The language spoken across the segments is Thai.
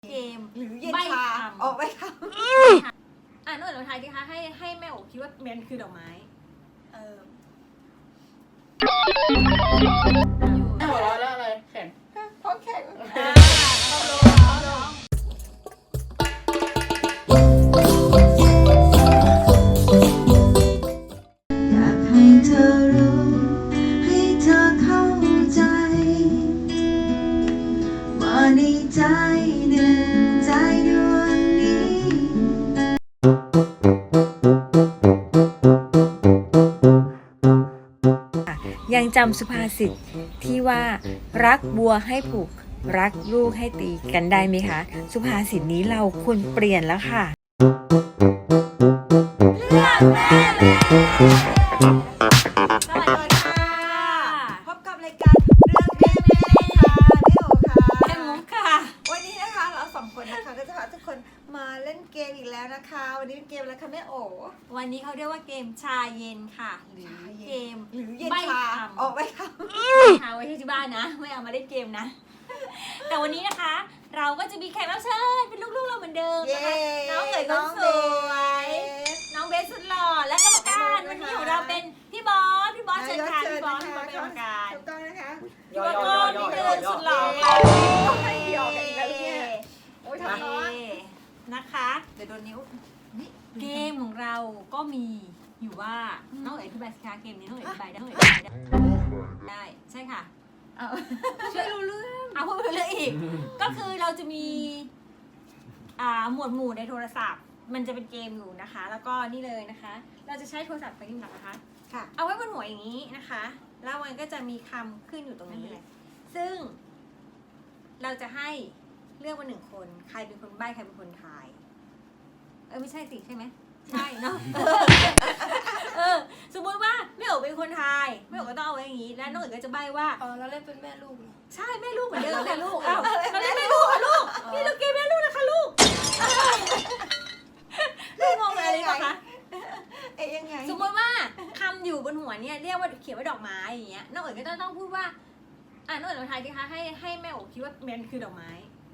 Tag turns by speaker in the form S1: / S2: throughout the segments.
S1: เกม
S2: หรือเย็น
S1: ใบ้
S2: ชา
S1: คำ
S2: ออกไปค
S1: น้องเอ๋ยลองทายดิคะให้แม่โอ๋คิดว่ามันคือดอกไม้
S2: ำ
S3: หัวเราะแล้วอะไรแข็ง
S2: เพราะแข็ง
S1: เอาลง
S4: อยากให้เธอรู้ ให้เธอเข้าใจ ว่าในใจหนึ่งใจดวงนี้
S5: ยังจำสุภาษิตที่ว่ารักบัวให้ผูกรักลูกให้ตีกันได้ไหมคะ สุภาษิตนี้เราควรเปลี่ยนแล้วค่ะ
S1: สวัสดีค่ะ
S2: พบกับรายการเรื่องแม่ค่ะแม่โอค่ะ
S1: แม่มุกค่ะ
S2: วันนี้นะคะเราสองคนนะคะก็จะพาทุกคนมาเล่นเกมอีกแล้วนะคะ วันนี้เป็นเกมอะไรคะแม่โอ
S1: วันนี้เขาเรียกว่าเกมชาเย็นค่ะ หรือเกม
S2: หรือเย็น
S1: ใบ้
S2: ชา
S1: คำ
S2: ออกไปค
S1: หาไว้ที่บ้านนะ ไม่เอามาเล่นเกมนะ แต่วันนี้นะคะ เราก็จะมีแขกรับเชิญเป็นลูกๆเราเหมือนเดิม
S2: ำเย้
S1: นะคะน้องเอ๋ยคนสวย น้องเบสสุดหล่อและกรรมการวันนี้ของเราเป็นพี่บอสเชิญค่ะพี่บอสเป็นกรรมการ
S2: ถูกต้องนะคะ
S1: พี่บอสก็นี่เดินสุดหล่อ
S2: ใครหยอกกันอีกแล้วเนี่ยโอ้ยทำร้อน
S1: นะคะ
S2: เดี๋ยวโดนนิ้ว
S1: เกมของเราก็มีอยู่ว่าน้องเอ๋ยอธิบายสิคะเกมนี้น้องเอ๋ยอธิบายได้น้องเอ๋ยอธิบายได้ใช่ค่ะ
S2: เอา
S1: ช่วยรู้เรื่องเอาพูดไปเรื่องอีก ก็คือเราจะมีหมวดหมู่ในโทรศัพท์ มันจะเป็นเกมอยู่นะคะ แล้วก็นี่เลยนะคะ เราจะใช้โทรศัพท์ไปนิ่มหลักนะคะ
S2: ค่ะ
S1: เอาไว้บนหัวอย่างนี้นะคะ แล้วมันก็จะมีคำขึ้นอยู่ตรงนี้ ซึ่ง เราจะให้เลือกมาหนึ่งคน ใครเป็นคนใบ้ใครเป็นคนทาย ไม่ใช่สิใช่ไหม ใช่เนาะ สมมติว่าแม่โอ๋เป็นคนทายแม่โอ๋ก็ต้องเอาไว้อย่างนี้ แล้วน้องเอ๋ก็จะใบ้ว่า
S6: เราเล่นเป็นแม่ลูกเหรอ
S1: ใช่แม่ลูกเหมือนเดิมค่ะลูกอ้าวเราเล่นแม่ลูกค่ะลูกนี่เราเกมแม่ลูกนะคะลูกลูกงงอะไรปะคะ
S2: ยังไง
S1: สมมติว่าคำอยู่บนหัวเนี่ยเรียกว่าเขียนว่าดอกไม้อย่างเงี้ยน้องเอ๋ยก็ต้องพูดว่าน้องเอ๋ยลองทายดิคะให้แม่โอ๋คิดว่ามันคือดอกไม้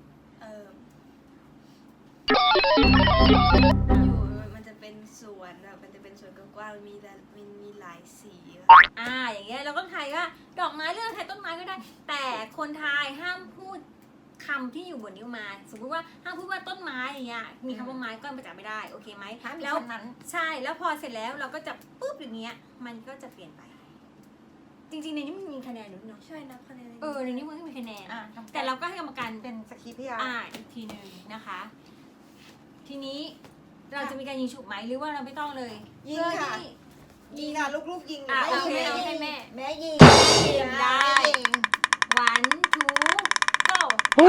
S6: อยู่มันจะเป็นสวนแบบมันจะเป็นสวนกว้างๆมีหลายสีอะ
S1: อย่างเงี้ยเราก็ทายว่าดอกไม้เรื่องทายต้นไม้ก็ได้ แต่คนทายห้ามพูดคำที่อยู่บนนิ้วไม้สมมติว่าห้ามพูดว่าต้นไม้อย่างเงี้ยมีคำว่าไม้ก็ประจับไม่ได้โอเคไหม
S2: ห้ามมี
S1: แล้ว
S2: คำนั้น
S1: ใช่แล้วพอเสร็จแล้วเราก็จะปุ๊บอย่างเงี้ยมันก็จะเปลี่ยนไป จริงๆในนี้มันมีคะแนนด้วยเนาะ
S6: ใช่นับคะแนน
S1: ในนี้มันก็มีคะแนน
S2: อ่ะ
S1: แต่เราก็ให้กรรมการ
S2: เป็นสคริปต์พี่อา
S1: อีกทีหนึ่งนะคะ ทีนี้เราจะมีการยิงฉุบไหมหรือว่าเราไม่ต้องเลย
S2: ยิงค่ะ
S1: เพื่อที่
S2: ยิงค่ะลูกๆยิง
S1: อ่ะ
S2: ไม่ยิง
S1: เอาให้แม่
S2: แม่ยิง
S1: ยิงได้
S2: ยิง
S1: one two go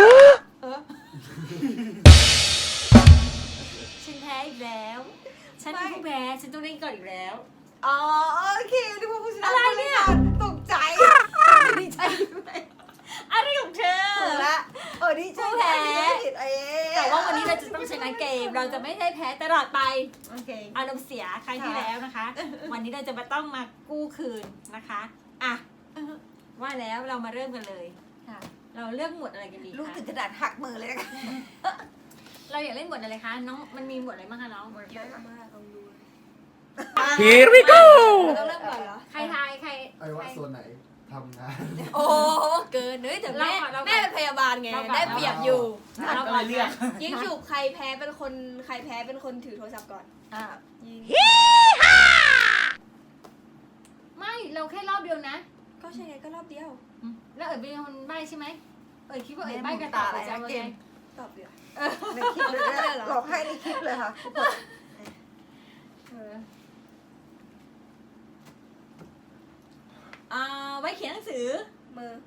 S1: ฉันแพ้อีกแล้ว ฉันเป็นผู้แพ้ฉันต้องเล่นก่อนอีกแล้ว
S2: อ๋อโอเคนึกว่าผู้ชนะ
S1: อะไรเนี่ย
S2: ตกใจดีใจด้วย
S1: อะไรของเธอ
S2: ถูกละดีใจ
S1: ผู้แพ้
S2: ผิดเอ๊ะ
S1: แต่ว่าวันนี้เราจะต้องชนะเกม เราจะไม่ได้แพ้ตลอดไป
S2: โอเค
S1: อารมณ์เสียครั้งที่แล้วนะคะ วันนี้เราจะมาต้องมากู้คืนนะคะอ่ะว่าแล้วเรามาเริ่มกันเลย
S2: ค่ะ
S1: เราเลือกหมวดอะไรกันดี
S2: ลูก
S1: คะ
S2: ถึงกระดาษหักมือเลยนะคะ
S1: เราอยากเล่นหมวดอะไรคะน้องมันมีหมวดอะไรบ้างคะน้อง
S6: เยอะมากลองดู
S3: Here we go
S6: ต้องเริ่มก่อนเหรอ
S1: ใครทายใคร
S7: ไอ้ว่าส่วนไหนทำงาน
S6: โอ้เกินเฮ้ยแต่แม่
S1: เราก่อน
S6: แม่เป็นพยาบาลไง
S1: เราก่อน
S6: ได้เปรียบอยู่
S1: เราก่อนนะ
S6: ยิงฉุบใครแพ้เป็นคนถือโทรศัพท์ก่อน
S2: อ่ะ
S6: ยิง
S1: ไม่เราแค่รอบเดียวนะ
S6: ก็ใช่ไงก็รอบเดียว
S1: แล้วเอ๋ยเป็นคนใบ้ใช่ไหมเอ๋ยคิดว่าเอ๋ยใบ้กันต่อไปจะเอาไง
S6: ตอบเดียว
S2: ในคลิปเลยนะหลอกให้ในคลิปเลยค่ะ
S1: ไว้เขียนหนังสือ
S6: มือ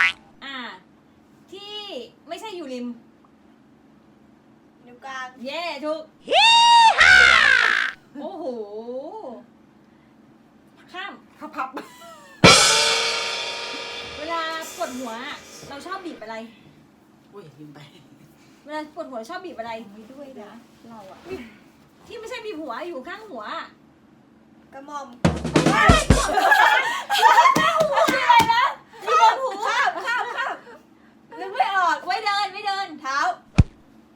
S1: ที่ไม่ใช่อยู่ริม
S6: นิ้วกลาง
S1: เย่ถูกโอ้โห ข้าม
S2: พับ
S1: เวลาปวดหัวอะเราชอบบีบอะไร
S3: อุ้ยลืมไป
S1: เวลาปวดหัวชอบบีบอะไร
S2: ไม่ด้วยนะเราอะ
S1: ที่ไม่ใช่บีบหัวอยู่ข้างหัวอะ
S6: กระหม่อม
S1: คืออะไรนะบีบหู
S6: ข้าม
S1: นึกไม่ออกไว้เดิน
S6: เท้า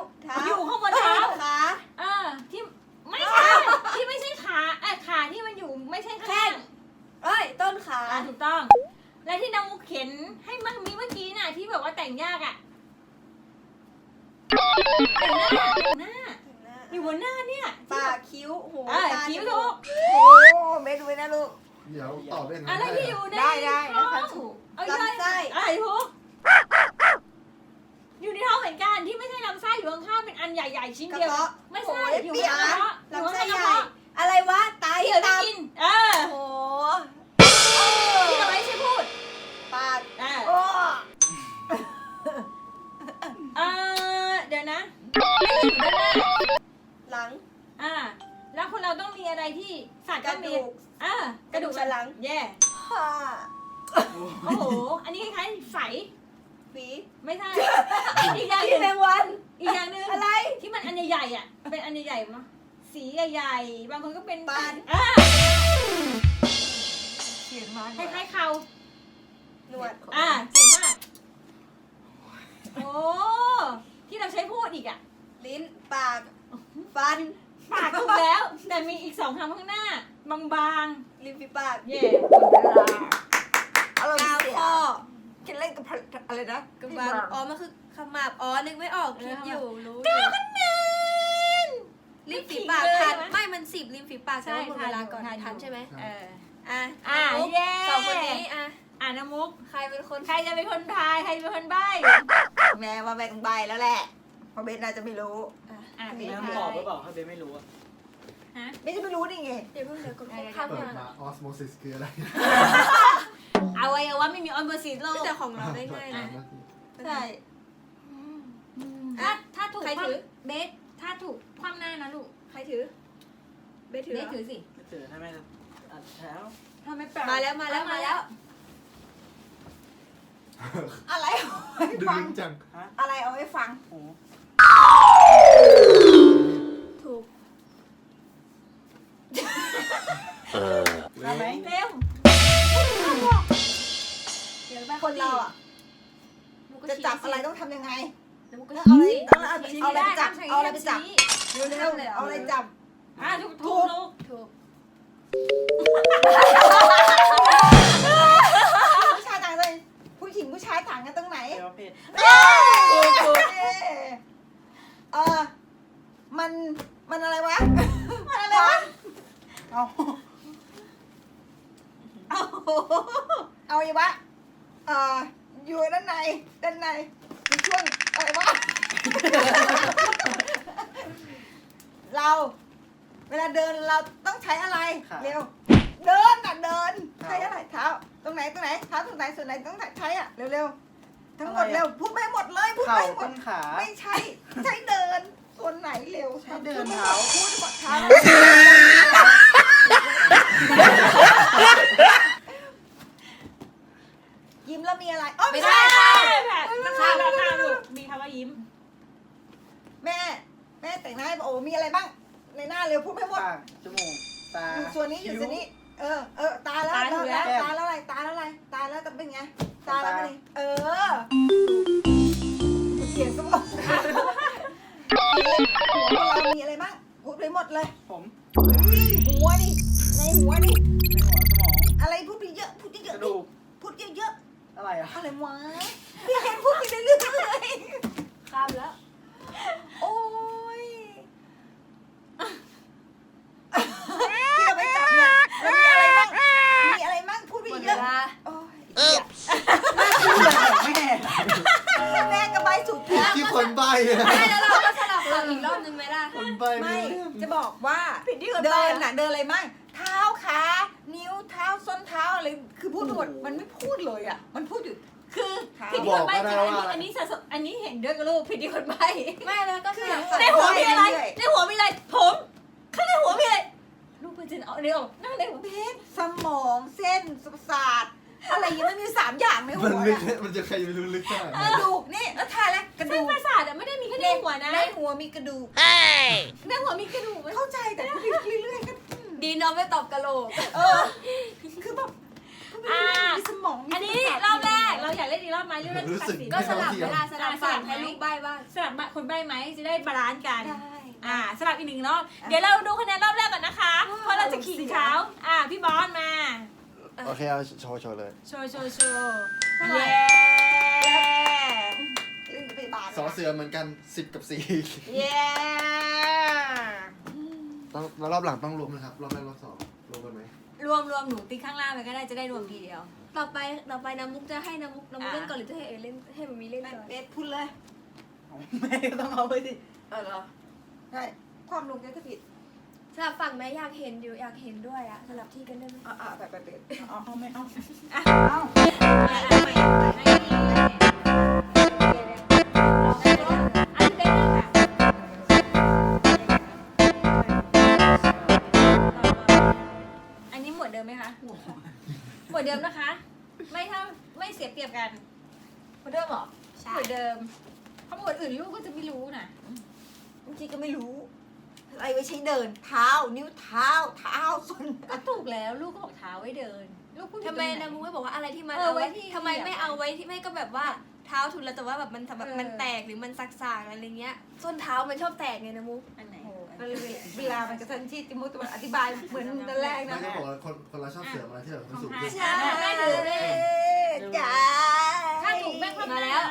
S1: อยู่ข้างบนเท้า
S6: ขา
S1: ที่ไม่ใช่ที่ไม่ใช่ขาขาที่มันอยู่ไม่ใช่ข้าง
S6: เอ้ยต้นขา
S1: ถูกต้อง และที่น้องมุกเข็นให้มันมีเมื่อกี้น่ะที่แบบว่าแต่งยากแต่งหน้าอยู่บนหน้าเนี่ย
S6: ปากคิ้วหูตา
S1: คิ้ว
S6: จ
S1: ถู
S6: มู
S1: ก
S2: โอ้เม็ดไว้นะลูก
S7: เดี๋ยวตอบได้ไง
S1: อะไรที่อยู่ใน
S2: ได้นะ
S1: ท้อง
S2: คะถูก
S6: ลำไส้
S1: ถูกอยู่ในท้องเหมือนกันที่ไม่ใช่ลำไส้อยู่ข้างๆเป็นอันใหญ่ๆชิ้น
S6: กระ
S1: เดียว
S6: เพาะ
S1: ไม่ใช่
S6: โอ้ย
S1: อยู่
S6: เปียก
S1: ในกระ
S6: นะ
S1: เพาะอยู่
S6: ลำไส้
S1: ข้างๆกระ
S6: ใหญ่
S1: เพาะ
S6: อะไรวะไต
S1: ที่เราได้
S6: ตับ
S1: กิน
S6: โอ้โห
S1: ที่เราไม่ใช่พูด
S6: ปาก
S2: โอ้
S1: เดี๋ยวนะไม่ได้อยู่ด้านหน้า
S6: หลัง
S1: แล้วคนเราต้องมีอะไรที่สัตว์
S6: ก
S1: ก็
S6: ระ
S1: มี
S6: ดูก
S1: กระดูก
S6: สันหลัง
S1: แย่
S6: ผ้า
S1: โอ้โห อันนี้คล้ายๆใส
S6: ฝี
S1: ไม่ใช่ อีกอย่างห
S6: ที่
S1: นึ่ง
S6: แมงวัน
S1: อีกอย่างหนึ่ง
S6: อะไร
S1: ที่มันอันใหญ่ๆอ่ะ เป็นอันใหญ่ๆมั้ยสีใหญ่ๆ บางคนก็เป็น
S6: ปาน
S2: เขียนมา
S1: คล้ายๆเขา
S6: หนวด
S1: เจ๋งมาก โอ้ที่เราใช้พูดอีกอ่ะ
S6: ลิ้นปากฟัน
S1: ปากถูกแล้ว แต่มีอีก2คำข้างหน้า บาง
S6: ริมฝีปาก
S1: ๆ เย่
S2: อารมณ์
S6: กาว
S2: เสีย
S6: ข้อ
S2: คิดเล่นกับอะไรนะ
S6: กระบาลอ๋อมันคือขมับอ๋อนึกไม่ออกคิดอยู่รู้อ
S1: 9
S6: ยู่
S1: คะแนน
S6: ริมฝีปาก
S1: เลย
S6: ทัน
S1: ใช่ไหม
S6: ไม่มัน10ริมฝีปาก
S1: ใช่
S6: ใช่หมดเวลาก่อน
S1: ทัน
S6: ทันใช่ไหม
S7: ใช่
S6: อ่ะ
S1: เย่
S6: สองคนนี้
S1: น้ำมุก
S6: ใครเป็นคน
S1: ใครจะเป็นคนทาย ใครเป็นคนใบ้
S2: แม่มาแบ่งใบแล้วแหละเพราะเบนน่าจะไม่รู้
S1: เป็น
S3: แม่
S1: ทา
S3: บอกหรื
S1: ย
S3: อเปล่าถ้าเบนไม่รู้อะ
S1: ฮะ
S2: เบนจะไม่รู้ได้ไง
S6: เดี๋ยวเพิ่งเดี๋ยวกด
S1: เดี๋ยว
S6: ข้าม
S7: เปิด
S6: มา
S7: มาออสโมซิสคืออะไร
S1: อวัยวะไม่มีออนเบอร์ซีโลก
S6: แต่ของเราได้ง่ายนะ
S2: ใช่
S1: ถ้าถูก
S6: ใครถือ
S1: เบสถ้าถูกคว่ำหน้านะลูก
S6: ใครถือเบสถือ
S1: เบ
S6: เหร
S1: ส
S6: อ
S1: ถือสิ
S3: ไม่เจอถ้าแม่อัดแล้ว
S1: ถ้าไม่แปล
S6: มาแล้วมาแล้วมาแล้ว
S2: อะไรเอาไว้
S7: ดึ
S2: ฟัง
S7: งจัง
S2: อะไรเอาไว้ฟัง
S3: โอ้
S6: ถูก
S3: ได้ไหม
S1: เร็ว
S6: เดี๋ยวไป
S2: คนเราอ่ะ
S6: หนูก็
S2: จะ
S6: ชี้
S2: จับ
S6: สิ
S2: อะไรต้องทำยังไง
S6: แล้วหนูก็
S2: เอาอะไร
S6: ชี้
S2: เอาอะไร
S1: ชี้
S2: เอาอะไร
S1: ไม่
S2: ไปจับ
S1: ด้
S2: เอาอะไรไปจับ
S1: ชี้
S2: เร็วๆเอาอะไรจับ
S1: ถูกลูก
S6: ถูก
S2: ผู้ชายต่างกันผู้หญิงผู้ชายต่างกันตรงไหน
S3: เดี๋ยวเพจ
S2: ถูกมันอะไรวะ มันอะไรวะ
S3: เอา
S2: เอาอีกวะอยู่ด้านในมีช่วงอะไรวะ เราเวลาเดินเราต้องใช้อะไรเร็วเดินใช้อะไรเท้าตรงไหนเท้าตรงไหนส่วนไหนต้องใช้อะเร็วๆทั้งหมดเร็วพูดไม่หมดเลยพูด
S3: เข่า
S2: ไม่หม
S3: ต้
S2: ด
S3: นขา
S2: ไม่ใช่ใช้เดินส่วนไหนเร็ว
S3: ใช้เดินเท้า
S2: พูดหมดเท้ายิ้มแล้วมีอะไรอ๋อ
S6: ไม่
S2: ไม่
S6: ได้
S2: ใช่
S1: ข้ามลูกมีคำว่ายิ้ม
S2: แม่แต่งหน้าให้โอ้มีอะไรบ้างในหน้าเร็วพูดไม่หมด
S3: ปากจมูกตา
S2: อยู่ส่วนนี้อยู่ส่วนนี้ ตาแล้ว
S1: ตาถูกแล้ว
S2: ตาแล้วอะไรตาแล้วจะเป็นไงตาแล้วเป็นไงเสียงสมองหัวเรามีอะไรบ้างพูดไปหมดเลย
S3: ผม
S2: หัวนี่ในหัวนี่
S3: ในหัวสมอง
S2: อะไรพูดไปเยอะพูดเย
S3: ก
S2: อะ
S3: ระดูก
S2: พูดเยอะ
S3: อะไรอะ
S2: อะไรวะพี่เห็นพูดไปเรื่อย
S6: ข้ามแล้ว
S2: โอ้ยที่เราไปจับเนี่ยแล้วมีอะไรบ้างพูดไป
S6: หมด
S2: เย
S6: เว
S2: อะ
S6: ลา
S2: โอ้ย
S3: แม่
S2: แม่กระบายสุดแล้ว
S7: ที่คนใบ้อะ
S6: ไม่แล้วเราก็สลับฝั่งอีกรอบนึงไหมล่ะ
S7: คนใบ้
S2: ไม่
S7: เรื่อง
S2: จะบอกว่าเดินน่ะเดินอะไรมั่งเท้าขานิ้วเท้าส้นเท้าอะไรคือพูดหมดมันไม่พูดเลยอ่ะมันพูดอยู่
S1: คือผิดที่คนใบ้คืออันนี้เห็นด้วยกับลูกผิดที่คนใบ้
S6: ไม่แล้วก็สลับฝั่ง
S1: ในหัวมีอะไรในหัวมีอะไรผมข้างในหัวมีอะไรลูกมันจะเอาเดี๋ยวนั่งในหัว
S2: เพชรสมองเส้นประสาทอะไรยังไม่มี3อย่างในหั
S7: มัน
S2: ว
S7: ลึก
S2: น่ะ
S7: มันจะใครจะไปรู้ลึกขนาด
S2: ก
S7: นั้น
S2: ระดูกนี่แล้วทายแล้วกระ
S1: เส้
S2: ดู
S1: น
S2: ก
S1: ประสาทไม่ได้มีแค่ในหัวนะ
S2: ในหัวมีกระดูก
S1: ในหัวมีกระดูก
S2: เข้าใจแต่พูดเรื่อยๆก็
S6: ดีน้องไม่ตอบกะโหลก
S2: คือแบบมีสมอง
S1: อันนี้รอบแรกเราอยากเล่นอีกรอบไหมเรื่อง
S7: รู้สึก
S1: ตัดสิน
S6: ก็สลับเวลาสลับ
S1: สลั
S6: ฝั่
S1: บ
S6: ง
S1: ไหม
S6: ให้ลูกใบ้บ้าง
S1: สลับคนใบ้ไหมจะได้บาลานซ์กัน
S6: ได้
S1: สลับอีกหนึ่งรอบเดี๋ยวเราดูคะแนนรอบแรกก่อนนะคะเพราะเราจะขิงเขาพี่บอสมา
S7: โอเคเอาโชว์เลย
S1: โชว์เย้
S2: พยาบาล
S7: สอเสือเหมือนกัน10 กับ
S1: เย้
S7: 4ต้องแล้วรอบหลังต้องรวมนะครับรอบแรกรอบ2รวมกันไหม
S1: รวมหนูติ๊กข้างล่างไปก็ได้จะได้รวมทีเดียว
S6: ต่อไปน้ำมุกจะให้น้ำมุกเล่นก่อนหรือจะให้เอเล่นให้มันมีเล่นก่อน
S2: เบสพูดเลย
S3: ไม่ต้องเอาไปดิ
S2: เหรอใช่ความลงแกก็ผิด
S6: สลับฝั่งไหมอยากเห็นอยู่อยากเห็นด้วยอ่ะสลับที่กันได้ไหม
S2: แบบเบส
S3: เอาไม่เอา
S1: อันนี้หมวดเดิมไหมคะหมวดเดิมนะคะ ไม่เสียเปรียบกันหมวดเดิมเหรอหมวดเดิมเพราะหมวดอื่นลูกก็จะไม่รู้นะ
S2: บางทีก็ไม่รู้ อะไรไว้ใช้เดิน เท้า นิ้วเท้า ส้น
S1: ก็ถูกแล้วลูกก็บอกเท้าไว้เดิน ลูกพูด
S6: ทำไมน้ำมุกไม่บอกว่าอะไรที่มัน
S1: เออ
S6: เอาไว้
S1: ไว้ที่
S6: ทำไมไม่เอาไว้ที่ไม่ก็แบบว่าเท้าทุนแล้วแต่ว่าแบบมันแบบมันแตกหรือมันสากๆอะไรเงี้ยส้นเท้ามันชอบแตกไงน้ำมุก
S1: อันไหน
S2: เวลามันกระทันชิดจิมุตอธิบายเหมือนตอนแรก
S7: ไม่
S2: นะ
S7: ได้บอกว่าคนเราชอบเสือมาที่แบบมันสูงขึ้น
S2: ใช่จ้า
S1: ถ้าถูกแม่งความ
S6: มาแล้ว
S1: นะ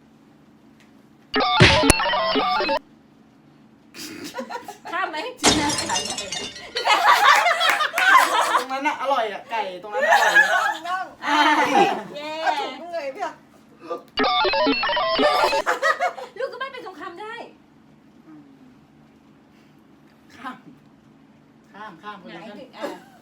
S1: ข้ามไหม
S3: ตรงนั้นน่ะอร่อยอ่ะไก่ตรงนั้นอร่อยเลย
S2: น้อง
S1: เย้
S2: ถูกเลยพี่อ่ะ
S1: ลูกก็ไม่เป็นคำๆได้
S3: ข้ามคน
S1: ไหน
S3: ละขั้น
S1: ถึง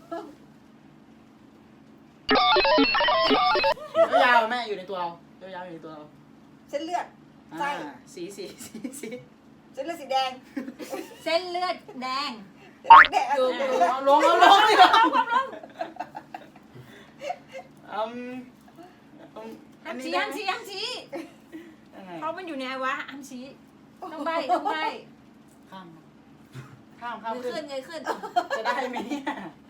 S3: ยาวๆแม่อยู่ในตัวเรายาวๆอยู่ในตัวเรา
S2: เส้นเลือด ไส้
S3: สี
S2: เส้นเลือดสีแดง
S1: เส้นเลือดแดง
S2: แดง
S3: เอาลงดิ
S1: ห้ามชี้เพราะมันอยู่ในอวะห้ามชี้ต้องใบ
S3: ข้าม
S6: เงย
S3: ขึ้
S6: ขึ้
S3: น
S6: นเงยขึ้น
S3: จะได้ไหมเนี่ย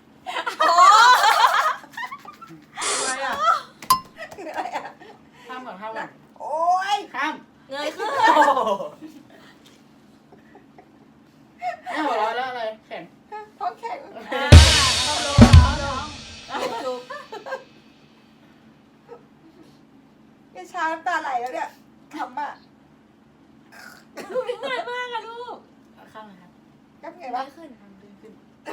S3: อะไรอ่ะ
S2: คืออะไรอ่ะ
S3: ข้ามก่อน
S2: โอ้ย
S3: ข้าม
S6: เงยขึ้น
S3: แม่หัวเราะแล้วอะไรแข็ง
S2: ท้องแข็ง
S1: ถูก
S2: เนี่ยช้าน้ำตาไหลแล้วเนี่ยขำอ่ะ
S1: ลูกนี่ง่ายมากอะลูก
S3: ข้ามเลยครับ
S2: กับไง
S6: เง
S2: วะ
S6: ยขึ้น
S3: ขึ้น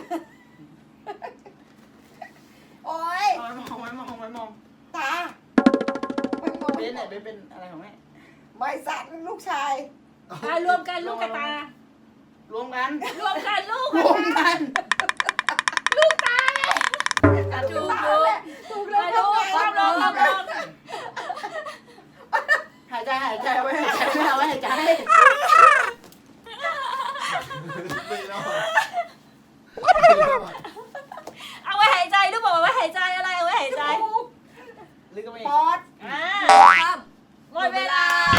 S2: โอ้ย
S3: ไว้มอง
S2: ตาไม่มอง
S3: เบนเป็นอะไรของแม่
S2: ไม่สัตว์ลูกชาย
S1: รวมกันลูกกับตาร
S3: วมกัน
S1: รวมกันลูก
S3: รวมกัน
S1: ถูก
S2: ตาแหละถูกแล้ว
S1: ลูกความลง
S3: หายใจเอาไว้หายใจไม่เอาไว้หายใจ
S7: ไม่รอด
S1: เอาไว้หายใจลูกบอกว่าไว้หายใจอะไรเอาไว้หายใจ
S3: ลึกก็ไม่
S2: ปอด
S6: ข้าม
S1: หมดเวลา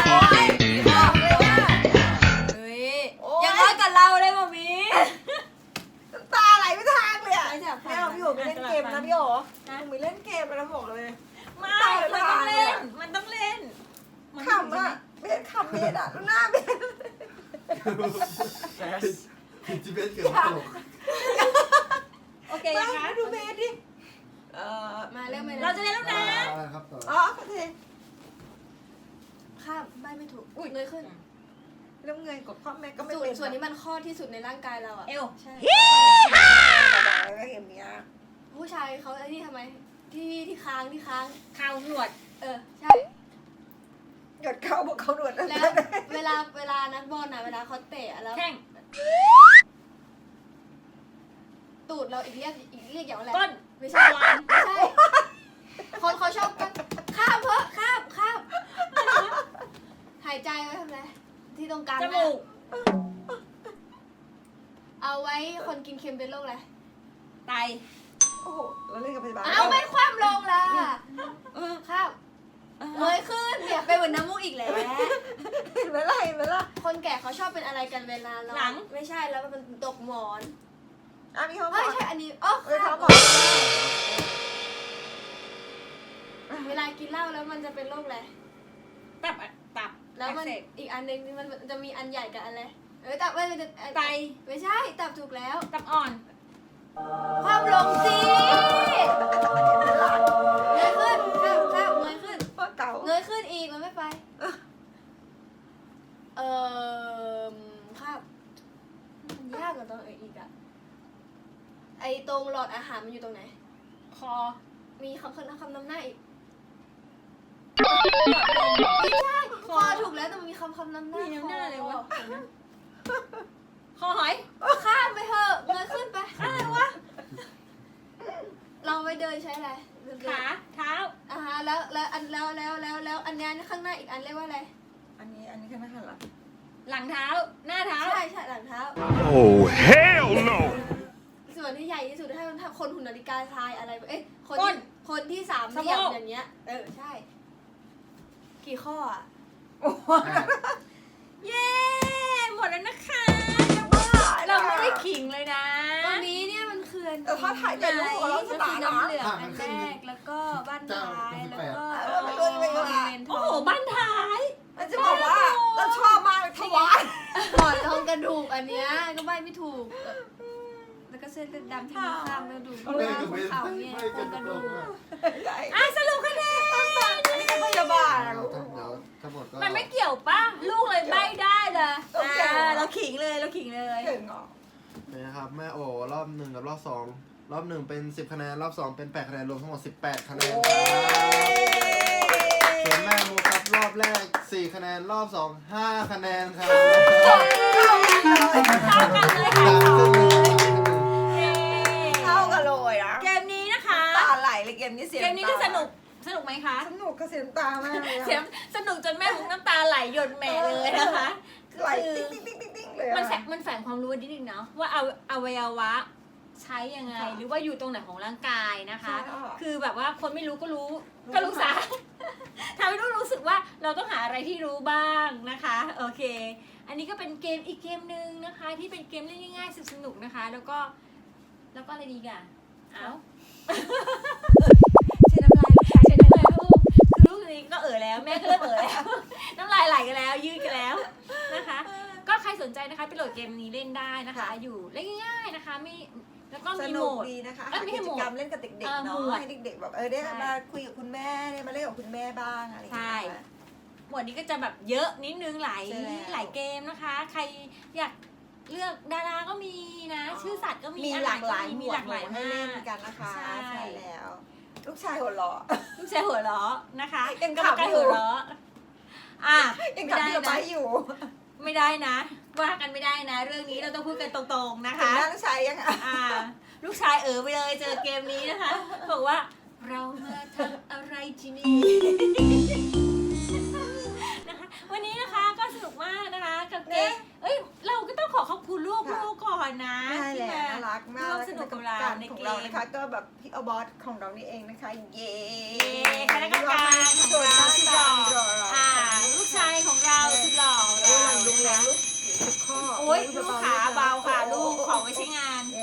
S6: เฮ้ยยังน้อยกับเราเลยมามี
S2: ตาไหลไม่ทางเลยอ่ะ
S6: ไม่จับ
S2: ไม่เอาพี่โอ๋ไปเล่นเกมนะพี่โอ๋หนูไปเล่นเกมแล้วบอกเลย
S1: ไม่มันต้องเล่นมันต้องเล่น
S2: ขำอ่ะเบสขำเบสอ่ะดูหน้าเบส
S7: ผิดที่เบสเกือบตลก
S1: โอเค
S2: มา
S1: นะคะ
S2: ดูเบสดิ
S6: มาเริ่มเลย
S1: เราจะเล่นแล้วนะ
S7: อะไรครับต่อ
S2: อ๋อโอเค
S6: ข้ามใบไม่ถูกเงยขึ้น
S2: เริ่มเงยกดพ่อแม่ก็ไม่
S6: ส่ว
S2: เป็น
S6: ส่วนนี้มันข้อที่สุดในร่างกายเราอ่ะ
S1: เอว
S6: ใช่
S2: อะไรเห็นเนี้ย
S6: ผู้ชายเขาไอ้นี่ทำไมที่ค้าง
S1: ข่าวหนวด
S6: ใช่
S2: หยดเข้าบอกเขาหนวด
S6: แล้วเวลานักบอลน่ะเวลาเขาเตะแล้ว
S1: แข้ง
S6: ตูดเราอีกเรียกอย่างอะไร
S1: ก้น
S6: ไม่ใช่ไม่ใช่คนเขาชอบกันข้ามหายใจไว้ทำไรที่ตรงกลาง
S1: จมูก
S6: เอาไว้คนกินเค็มเป็นโรคอะไร
S1: ไต
S2: โอ้โหเราเล่นกับพยาบาล
S6: เอาไม่คว่ำลงล่ะข้ามเงยขึ้นเนี่ยเป็นเหมือนน้ำมูกอีกแล้ว
S2: เห็นไหมล่ะ
S6: คนแก่เขาชอบเป็นอะไรกันเวลาเรา
S1: หลัง
S6: ไม่ใช่แล้วมันตกหมอน
S2: อ่ะมีเขาบ
S6: เฮ้
S2: อย ก
S6: ใช่อันนี้อ๋อ
S2: เออ
S6: ข้า
S2: เขา
S6: ม
S2: บอก
S6: เวลากินเหล้าแล้วมันจะเป็นโรคอะไร
S1: ตับ
S6: แล้วมัน
S1: อักเสบ
S6: อีกอันหนึงมันจะมีอันใหญ่กับอันอะไรตับมันจะ
S1: ไต
S6: ไม่ใช่ตับถูกแล้ว
S1: ตับอ่อน
S6: ความลงสิเงยขึ้นข้าวเงยขึ้น
S2: พ่อเก่า
S6: เงยขึ้นอีกมันไม่ไปครับมันยากกว่าตรงอีกอะไอตรงหลอดอาหารมันอยู่ตรงไหน
S1: คอ
S6: มีคำนำหน้าอีกไม่ใช่คอถูกแล้วแต่มันมีคำนำหน้า
S1: มีน้ำหน้าเลยวะ
S6: คอ
S1: คอหอย
S6: ข้ามไปเถอะเงยขึ้นไปอะไรวะเราไปเดินใช้อะไร
S1: ขาเท้า
S6: แล้วอันแล้วอันนี้ข้างหน้าอีกอันเรียกว่าอะไร
S2: อันนี้คือหน้าหลัง
S1: หลังเท้า หน้าเท้า
S6: ใช่หลังเท้า
S8: Oh, hell no!
S6: ส่วนที่ใหญ่ที่สุดถ้าคนหุ่นนาฬิกาทรายอะไรคน
S1: ก้น
S6: คนที่สาม
S1: สะ
S6: เหลี่ยม
S1: โพก
S6: อย่างเงี้ยใช่ กี่ข้ออ่ะ
S1: เย้ หมดแล้วนะคะ เราไม่ได้ขิงเลยนะ
S6: ตรงนี้เนี่ยมันคืออัน
S2: เขาถ่ายแต่รูปของเราส
S6: ก็
S2: ตา
S6: คือ
S2: ร์
S6: น้ำ
S2: นะ
S6: เหลืองอันแรกแล้วก็บ้านท้ายแล้วก็
S2: ไม่รู้ไม่รู้
S6: เลนท
S1: โอ้
S6: อง
S1: โห บ้านท้าย
S2: มันจะบอกว่าเราชอบมากเลยถวาย
S6: หมอนทองกระดูกอันเนี้ยก็ใบไม่ถูก แล้วก็เส้นเลือดดำที่มีข้างกระดูก
S7: ไม่
S6: ข้าง
S7: ก็ไม่
S6: เขาเนี่ย
S7: ไม่
S6: โครงกระดูก
S1: สรุปคะแนน
S2: อันนี้ก็พยาบาล
S7: เดี๋ยวทั้งหมดก็
S1: มันไม่เกี่ยวป่ะ ลูกเลยใบได้เลย
S2: โอเค
S1: เราขิงเลย เราขิงเลย
S2: เก่งอ่ะ
S7: นะครับแม่โอรอบ1กับรอบ2รอบ1เป็น10คะแนนรอบ2เป็น8คะแนนรวมทั้งหมด18คะแนนส่วนแม่มูครับรอบแรก4คะแนนรอบ2 5คะแนนครับ
S1: เท่ากันเลยค่ะ
S2: เข้ากันเลยอ่ะ
S1: เกมนี้นะคะ
S2: ตาไหลเลยเกมนี้เสีย
S1: เกมนี้คือสนุก สนุกไหมคะ
S2: สนุกกับเสียงตามากเลย
S1: เสียงสนุกจนแม่มุกน้ำตาไหลหยดแหม่เลยนะคะ
S2: ไหล
S1: คือ
S2: ติ๊งเลย
S1: มันแฝงความรู้นิดนึงเนาะว่าอวัยวะใช้ยังไง หรือว่าอยู่ตรงไหนของร่างกายนะคะ คือแบบว่าคนไม่รู้ก็รู้ซะ ทำให้รู้สึกว่าเราต้องหาอะไรที่รู้บ้างนะคะ โอเค อันนี้ก็เป็นเกมอีกเกมหนึ่งนะคะ ที่เป็นเกมเล่นง่ายๆสนุกๆนะคะ แล้วก็อะไรดีกันเอ้า ใช้น้ำลายลูกชายใช้น้ำลายลูกคือลูกนี้ก็แล้วแม่ก็เริ่มแล้ว น้ำลายไหลกันแล้วยืดกันแล้วนะคะ ก็ใครสนใจนะคะไปโหลดเกมนี้เล่นได้นะคะ อยู่เล่นง่ายๆนะคะไม่แล้วก็
S2: ส
S1: มีโห
S2: นุ
S1: ม
S2: ก
S1: ด
S2: ดีนะคะ
S1: เอ้ยไม่
S2: หา
S1: ใช่
S2: กิ
S1: โหม
S2: จ
S1: ด
S2: กรรมเล่นกับเด็กๆ
S1: หม
S2: เนาะ
S1: วด
S2: ให้เด็กๆแบบได้
S1: ใช่
S2: มาคุยกับคุณแม่ได้มาเล่นกับคุณแม่บ้างอะไรอย่างเงี้ย
S1: ใช่ หมวดนี้ก็จะแบบเยอะนิดนึงหลาย
S2: ใช่แล้ว
S1: หลายเกมนะคะ ใครอยากเลือกดาราก็มีนะ ชื่อสัตว์ก็มี
S2: มี
S1: อา
S2: ห
S1: หา
S2: ลาร กหลาย
S1: ก็
S2: หม
S1: มี
S2: ว
S1: ห
S2: ด
S1: ลากหลาย
S2: ให้
S1: มา
S2: เล่น
S1: ก
S2: กันนะคะ
S1: ใช่
S2: ใช่แล้ว ลูกชายหัวเราะ
S1: ลูกชายหัวเราะนะคะ
S2: ยัง
S1: กรรม
S2: ขำ
S1: การ
S2: อยู่
S1: หัวเราะ
S2: ยัง
S1: ไม่
S2: ขับ
S1: ได้
S2: ที่เราไป
S1: นะ
S2: อยู่
S1: ไม่ได้นะ ว่ากันไม่ได้นะ เรื่องนี้เราต้องพูดกันตรงๆนะ
S2: ถึง
S1: คะ
S2: หน้าลูกชายยังอ่ะ
S1: ลูกชายไปเลยเจอเกมนี้นะคะบอกว่าเรามาทำอะไรที่นี่ นะคะวันนี้นะคะก็สนุกมากนะคะกับเกมเราก็ต้องขอบคุณลูกก่อนนะ
S2: ใช่
S1: ที่
S2: แล้ว
S1: มา
S2: น่ารักมาก
S1: ร่วมสนุกกับเรา
S2: การ
S1: ใน
S2: ของ
S1: เก
S2: เรา
S1: ม
S2: นะคะ ก็แบบพี่อบอสของเรานี่เองนะคะ เย้
S1: คณะกรรมการของเราสุดหล่อลูกชายของเราสุดหล่อของ
S2: เรา
S1: เรา
S2: ลุงแรงลูกทุกข้อ
S1: โอ้ยลูกขาเบาค่ะลูกของไว้ใช้งาน
S2: เย้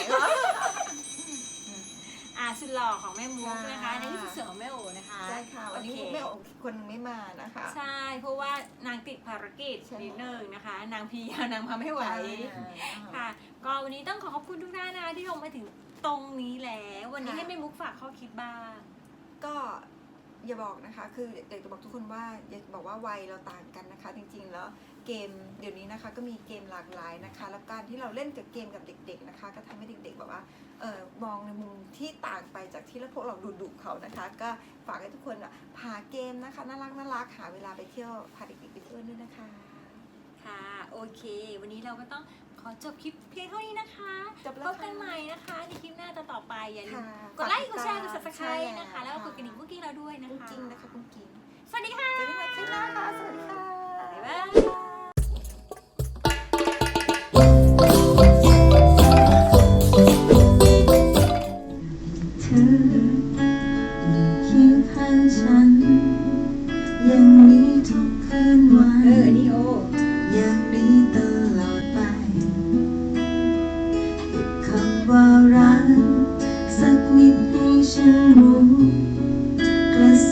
S1: สุดหล่อของแม่มุกนะคะ
S2: ค่ะ
S1: ในที่สุดเสือของแม่โอนะคะ
S2: ใช่ค่ะวันนี้
S1: โอเค
S2: ไม่ออกคนหนึงไม่มานะคะ
S1: ใช่ เพราะว่านางติดภารกิจ
S2: ใช่
S1: นิดนึงนะคะ นางพีนางมาไม่ไหว ค่ะ ก็วันนี้ต้องขอบคุณทุกท่านนะที่ลงมาถึงตรงนี้แล้ว วันนี้ให้แม่มุกฝากข้อคิดบ้าง
S2: ก็อย่าบอกนะคะ คืออยากจะบอกทุกคนว่าอย่าบอกว่าวัยเราต่างกันนะคะ จริงๆแล้วเกมเดี๋ยวนี้นะคะก็มีเกมหลากหลายนะคะ แล้วการที่เราเล่นกับเกมกับเด็กๆนะคะ ก็ทำให้เด็กๆแบบว่ามองในมุมที่ต่างไปจากที่พวกเราดุๆเขานะคะ ก็ฝากให้ทุกคนพาเกมนะคะน่ารักหาเวลาไปเที่ยวพาเด็กๆไปเที่ยวด้วยนะคะ
S1: ค่ะ โอเค วันนี้เราก็ต้องขอจบคลิปเพียงเท่านี้นะคะ
S2: จบแล้
S1: พ
S2: ว
S1: บกันใหม่นะคะในคลิปหน้าต่อไปอย่าลืม
S2: ค่ะ
S1: กดไลค์ กดแชร์ กด
S2: ใช่
S1: subscribe นะคะ แล้วก็กด
S2: ค่ะ
S1: กระดิ่งกุ๊กกิ้งเราด้วยนะ
S2: กุ้ง
S1: คะ
S2: กิ้งนะคะกุ้งกิ้ง
S1: สวัสดีค่ะ
S2: เจอกันใหม่คลิปหน้าค่ะสวัสดีค่ะ
S1: บ๊ายบาย
S4: เธอเคียงข้างฉันยังมีทุกคืนวันยังมีตลอดไปเก็บคำว่ารักสักนิดให้ฉันรู้กระ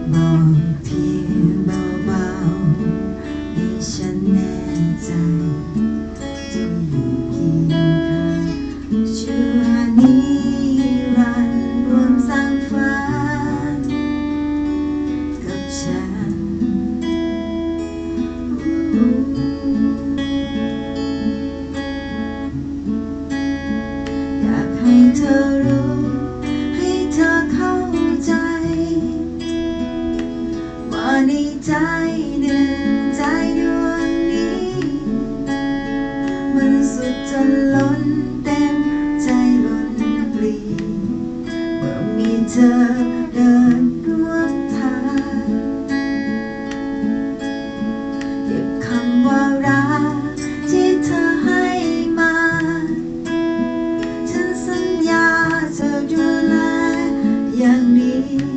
S4: บอกเพียงเบาๆให้ฉันแน่ใจจะอยู่เคียงข้างชั่วนิรันดร์รวมสร้างฝันกับฉันอยากให้เธอรู้ให้เธอเข้าใจว่าในใจหนึ่งใจดวงนี้มันสุดจนล้นเต็มใจล้นปรีเมื่อมีเธอเดินร่วมทางเก็บคำว่ารักที่เธอให้มาฉันสัญญาจะดูแลอย่างดี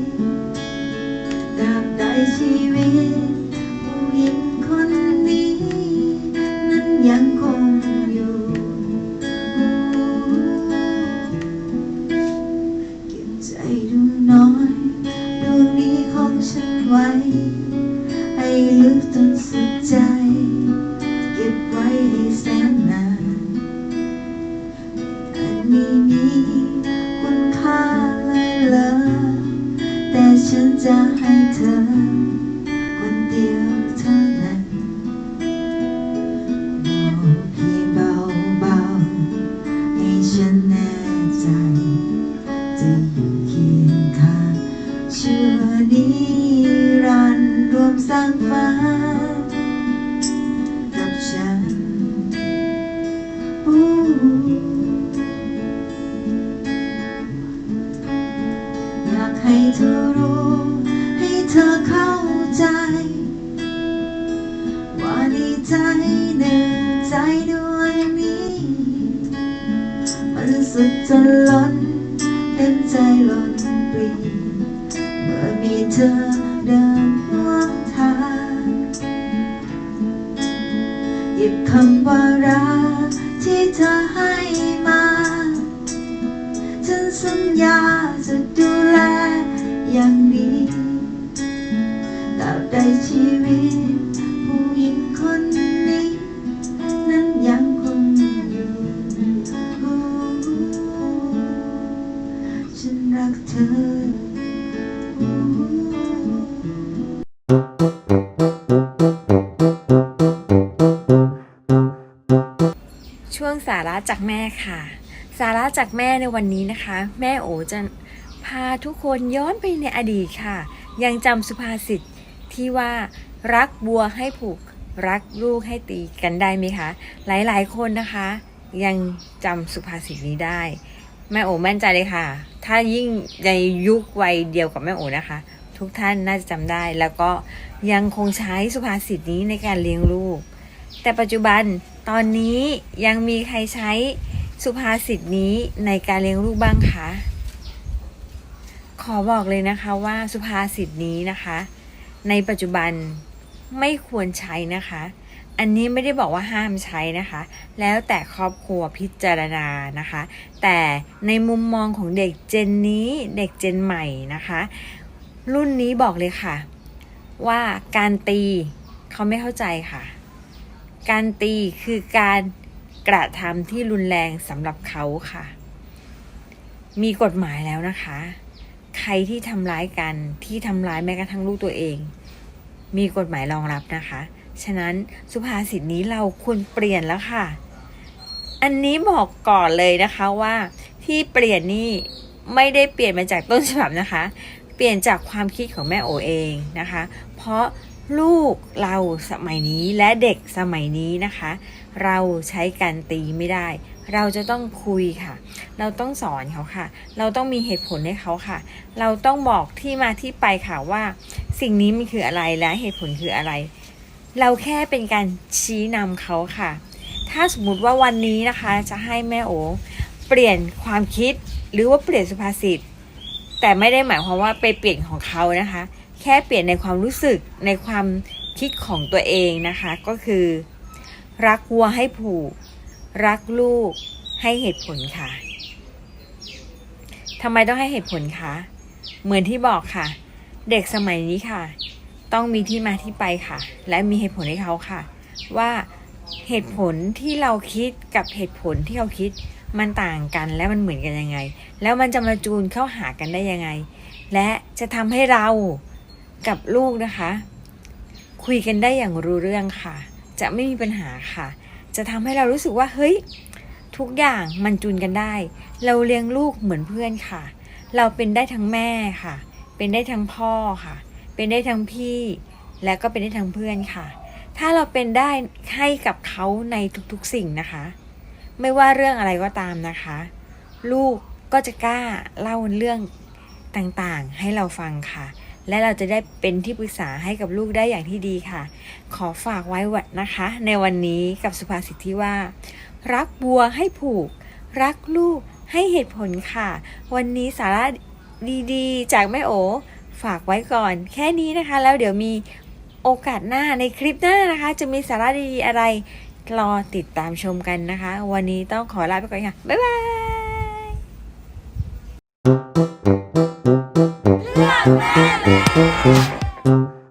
S4: ตราบใดชีวิตผู้หญิงคนนี้นั้นยังคงอยู่เก็บใจดูน้อยดวงนี้ของฉันไว้ให้ลึกจนสุดใจเก็บไว้ให้แสนนานอันนี้มีคุณค่าเลยแต่ฉันจะให้เธอคนเดียวเท่านั้นบอกเพียงเบาๆให้ฉันแน่ใจจะอยู่เคียงข้างชั่วนิรันดร์รวมสร้างฝันกับฉันอยากให้เธอรู้ให้เธอเข้าใจว่าในใจหนึ่งใจดวงนี้มันสุดจนล้นเต็มใจล้นปรีเมื่อมีเธอเดินร่วมทางหยิบคำว่ารักที่เธอให้มาฉันสัญญาจะดูแลอย่างดีตราบใดชีวิตผู้หญิงคนนี้นั้นยังคงอยู่ฉันรักเธอ
S5: ช่วงสาระจากแม่ค่ะ สาระจากแม่ในวันนี้นะคะ แม่โอจะพาทุกคนย้อนไปในอดีตค่ะ ยังจำสุภาษิตที่ว่ารักบัวให้ผูกรักลูกให้ตีกันได้ไหมคะหลายๆคนนะคะ ยังจำสุภาษิตนี้ได้ แม่โอมั่นใจเลยค่ะ ถ้ายิ่งในยุควัยเดียวกับแม่โอนะคะ ทุกท่านน่าจะจำได้ แล้วก็ยังคงใช้สุภาษิตนี้ในการเลี้ยงลูก แต่ปัจจุบันตอนนี้ยังมีใครใช้สุภาษิตนี้ในการเลี้ยงลูกบ้างคะขอบอกเลยนะคะว่าสุภาษิตนี้นะคะ ในปัจจุบันไม่ควรใช้นะคะ อันนี้ไม่ได้บอกว่าห้ามใช้นะคะ แล้วแต่ครอบครัวพิจารณานะคะ แต่ในมุมมองของเด็กเจนนี้เด็กเจนใหม่นะคะ รุ่นนี้บอกเลยค่ะว่าการตีเขาไม่เข้าใจค่ะ การตีคือการกระทำที่รุนแรงสำหรับเขาค่ะ มีกฎหมายแล้วนะคะ ใครที่ทำร้ายกันที่ทำร้ายแม้กระทั่งลูกตัวเอง มีกฎหมายรองรับนะคะ ฉะนั้นสุภาษิตนี้เราควรเปลี่ยนแล้วค่ะ อันนี้บอกก่อนเลยนะคะว่าที่เปลี่ยนนี่ไม่ได้เปลี่ยนมาจากต้นฉบับนะคะ เปลี่ยนจากความคิดของแม่โอเองนะคะ เพราะลูกเราสมัยนี้และเด็กสมัยนี้นะคะ เราใช้การตีไม่ได้ เราจะต้องคุยค่ะ เราต้องสอนเขาค่ะ เราต้องมีเหตุผลให้เขาค่ะ เราต้องบอกที่มาที่ไปค่ะว่าสิ่งนี้มันคืออะไรและเหตุผลคืออะไร เราแค่เป็นการชี้นำเขาค่ะ ถ้าสมมุติว่าวันนี้นะคะจะให้แม่โอเปลี่ยนความคิดหรือว่าเปลี่ยนสุภาษิตแต่ไม่ได้หมายความว่าไปเปลี่ยนของเขานะคะ แค่เปลี่ยนในความรู้สึกในความคิดของตัวเองนะคะ ก็คือรักวัวให้ผูกรักลูกให้เหตุผลค่ะทำไมต้องให้เหตุผลคะเหมือนที่บอกค่ะเด็กสมัยนี้ค่ะ ต้องมีที่มาที่ไปค่ะ และมีเหตุผลให้เขาค่ะ ว่าเหตุผลที่เราคิดกับเหตุผลที่เขาคิดมันต่างกันและมันเหมือนกันยังไง แล้วมันจะมาจูนเข้าหากันได้ยังไง และจะทำให้เรากับลูกนะคะ คุยกันได้อย่างรู้เรื่องค่ะ จะไม่มีปัญหาค่ะ จะทำให้เรารู้สึกว่าเฮ้ยทุกอย่างมันจูนกันได้ เราเลี้ยงลูกเหมือนเพื่อนค่ะ เราเป็นได้ทั้งแม่ค่ะ เป็นได้ทั้งพ่อค่ะ เป็นได้ทั้งพี่ และก็เป็นได้ทั้งเพื่อนค่ะ ถ้าเราเป็นได้ให้กับเขาในทุกๆสิ่งนะคะ ไม่ว่าเรื่องอะไรก็ตามนะคะ ลูกก็จะกล้าเล่าเรื่องต่างๆให้เราฟังค่ะ และเราจะได้เป็นที่ปรึกษาให้กับลูกได้อย่างที่ดีค่ะ ขอฝากไว้วัดนะคะ ในวันนี้กับสุภาษิตที่ว่า รักบัวให้ผูก รักลูกให้เหตุผลค่ะ วันนี้สาระดีๆจากแม่โอฝากไว้ก่อนแค่นี้นะคะ แล้วเดี๋ยวมีโอกาสหน้าในคลิปหน้านะคะ จะมีสาระดีๆอะไรรอติดตามชมกันนะคะ วันนี้ต้องขอลาไปก่อนค่ะ บ๊ายบาย
S2: เลือกแม่